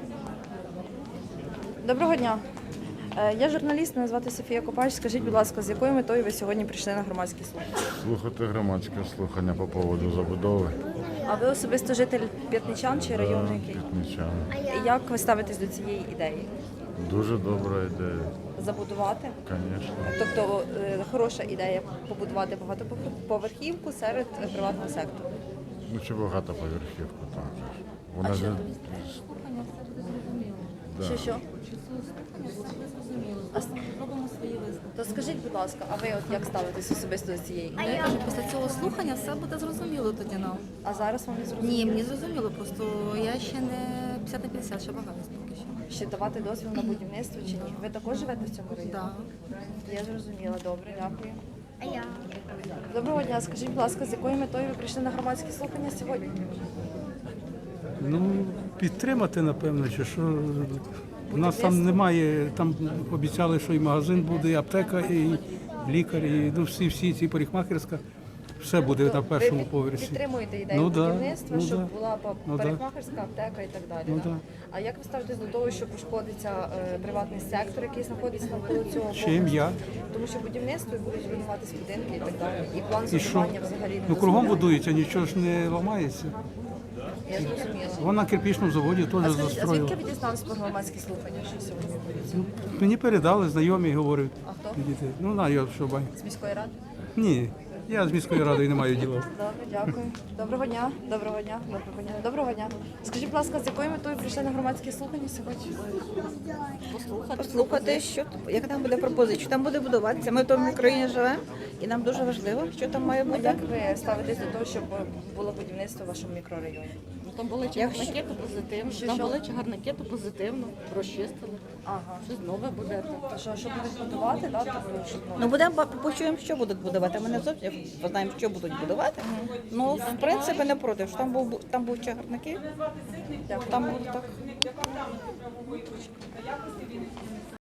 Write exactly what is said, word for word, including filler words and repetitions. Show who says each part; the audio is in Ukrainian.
Speaker 1: Доброго дня. Е, Я журналіст, мене звати Софія Копач. Скажіть, будь ласка, з якою метою ви сьогодні прийшли на громадські слухання?
Speaker 2: Слухати громадське слухання по поводу забудови.
Speaker 1: А ви особисто житель П'ятничан чи району який?
Speaker 2: П'ятничан.
Speaker 1: Як ви ставитесь до цієї ідеї?
Speaker 2: Дуже добра ідея,
Speaker 1: Забудувати?
Speaker 2: звісно.
Speaker 1: Тобто е, хороша ідея побудувати багатоповерхівку серед е, приватного сектору.
Speaker 2: Ну чи багатоповерхівку там же ж. Вона ж... Да.
Speaker 1: Що що? А с-
Speaker 3: Робимо свої висновки.
Speaker 1: То скажіть, будь ласка, а ви от як ставитесь особисто до цієї
Speaker 3: Ну,
Speaker 1: ідеї?
Speaker 3: я кажу, після цього слухання все буде зрозуміло тоді нам.
Speaker 1: А зараз вам не зрозуміло?
Speaker 3: Ні, мені зрозуміло, просто я ще не п'ятдесят на п'ятдесят, ще багато поки що.
Speaker 1: Ще давати дозвіл на будівництво чи ні? Ви також живете в цьому районі?
Speaker 3: Да.
Speaker 1: Я зрозуміла, добре, дякую.
Speaker 4: А я?
Speaker 1: Доброго дня, скажіть, будь ласка, з якою метою ви прийшли на громадські слухання сьогодні?
Speaker 5: Ну, підтримати, напевно, чи що. У нас там немає, там обіцяли, що і магазин буде, і аптека, і лікар, і ну, всі, всі ці парикмахерська. Все буде на першому
Speaker 1: ви
Speaker 5: поверсі.
Speaker 1: підтримуєте ідею
Speaker 5: Ну, да,
Speaker 1: будівництва,
Speaker 5: ну,
Speaker 1: щоб
Speaker 5: да.
Speaker 1: була па-
Speaker 5: Ну, да.
Speaker 1: парикмахерська аптека і так далі.
Speaker 5: Ну,
Speaker 1: да?
Speaker 5: да.
Speaker 1: А як ви ставитесь до того, що пошкодиться е, приватний сектор, який знаходиться навколо цього
Speaker 5: Чим
Speaker 1: поверху?
Speaker 5: я?
Speaker 1: Тому що будівництво і будуть руйнуватись будинки і так далі. І план
Speaker 5: І що?
Speaker 1: зонування взагалі не
Speaker 5: Ну, кругом
Speaker 1: дозволяє.
Speaker 5: будується, нічого ж не ламається.
Speaker 1: Я зрозуміла.
Speaker 5: Вон на кирпічному заводі
Speaker 1: А
Speaker 5: теж
Speaker 1: скажіть, а звідки
Speaker 5: застроїли.
Speaker 1: ви дізнались про громадські слухання, що сьогодні відбудуться?
Speaker 5: Ну, мені передали, знайомі говорять.
Speaker 1: А хто?
Speaker 5: Діти. Ну, на, я що бай.
Speaker 1: З міської ради?
Speaker 5: Ні, я з міською радою не маю діла.
Speaker 1: Добре, дякую. Доброго дня, доброго дня, доброго дня, доброго дня. Скажіть, будь ласка, з якою метою прийшли на громадські слухання сьогодні?
Speaker 6: Послухати, що яка там буде пропозиція, що там буде будуватися. Ми в тому країні живемо, і нам дуже важливо, що там має
Speaker 1: А
Speaker 6: бути.
Speaker 1: як ви ставитесь до того, щоб було будівництво в вашому мікрорайоні?
Speaker 7: Ну, там були
Speaker 6: Якщо-
Speaker 7: чагарники, то позитивно.
Speaker 1: Що,
Speaker 7: Там
Speaker 1: що?
Speaker 7: були чагарники, то позитивно. Розчистили.
Speaker 1: Ага.
Speaker 7: Щось нове буде.
Speaker 1: То що, що будуть будувати, да? Тобто, щоб, ну,
Speaker 6: Ну будемо ба- почуємо, що будуть будувати. Ми не зовсім знаємо, що будуть будувати. Ну в принципі не проти. Що там був там був чагарники, там було так.